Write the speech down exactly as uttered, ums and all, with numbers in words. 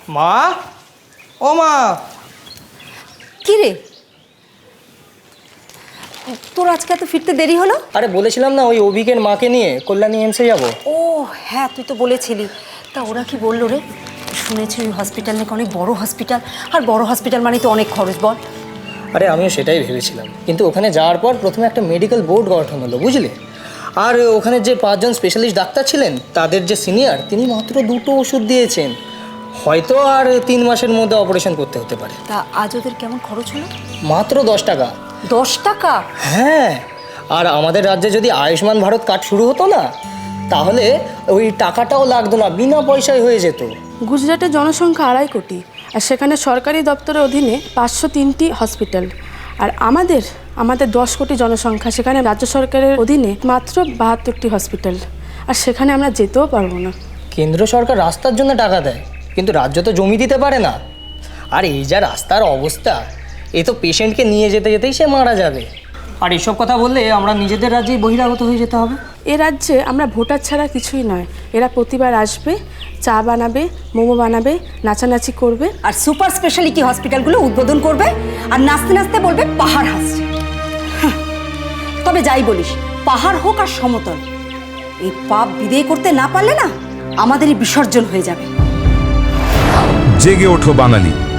মা, ও মা। কি রে, তোর আজকে এত ফিরতে দেরি হলো? আরে বলেছিলাম না ওই অভিকের মাকে নিয়ে কল্যাণী এমসে যাবো। ও হ্যাঁ, তুই তো বলেছিলি। তা ওরা কি বললো রে? শুনেছি ওই হসপিটাল নাকি অনেক বড় হসপিটাল, আর বড় হসপিটাল মানে তো অনেক খরচ, বল। আরে আমিও সেটাই ভেবেছিলাম, কিন্তু ওখানে যাওয়ার পর প্রথমে একটা মেডিকেল বোর্ড গঠন হলো, বুঝলে। আর ওখানে যে পাঁচজন স্পেশালিস্ট ডাক্তার ছিলেন তাদের যে সিনিয়র, তিনি মাত্র দুটো ওষুধ দিয়েছেন। হয়তো আর তিন মাসের মধ্যে অপারেশন করতে হতে পারে। তা আজ ওদের কেমন খরচ হলো? মাত্র দশ টাকা। দশ টাকা? হ্যাঁ, আর আমাদের রাজ্যে যদি আয়ুষ্মান ভারত কার্ড শুরু হতো না, তাহলে ওই টাকাটাও লাগতো না, বিনা পয়সায় হয়ে যেত। গুজরাটের জনসংখ্যা আড়াই কোটি, আর সেখানে সরকারি দপ্তরের অধীনে পাঁচশো তিনটি হসপিটাল। আর আমাদের আমাদের দশ কোটি জনসংখ্যা, সেখানে রাজ্য সরকারের অধীনে মাত্র বাহাত্তরটি হসপিটাল, আর সেখানে আমরা যেতেও পারবো না। কেন্দ্র সরকার রাস্তার জন্য টাকা দেয়, কিন্তু রাজ্য তো জমি দিতে পারে না। আর এই যা রাস্তার অবস্থা, এ তো পেশেন্টকে নিয়ে যেতে যেতেই সে মারা যাবে। আর এসব কথা বললে আমরা নিজেদের রাজ্যেই বহিরাগত হয়ে যেতে হবে। এ রাজ্যে আমরা ভোটার ছাড়া কিছুই নয়। এরা প্রতিবার আসবে, চা বানাবে, মোমো বানাবে, নাচানাচি করবে, আর সুপার স্পেশালিটি হসপিটালগুলো উদ্বোধন করবে, আর নাচতে নাচতে বলবে পাহাড় হাসছে। হাহ, তবে যাই বলিস, পাহাড় হোক আর সমতল, এই পাপ বিদেয় করতে না পারলে না আমাদেরই বিসর্জন হয়ে যাবে। জেগে ওঠো বাঙালি।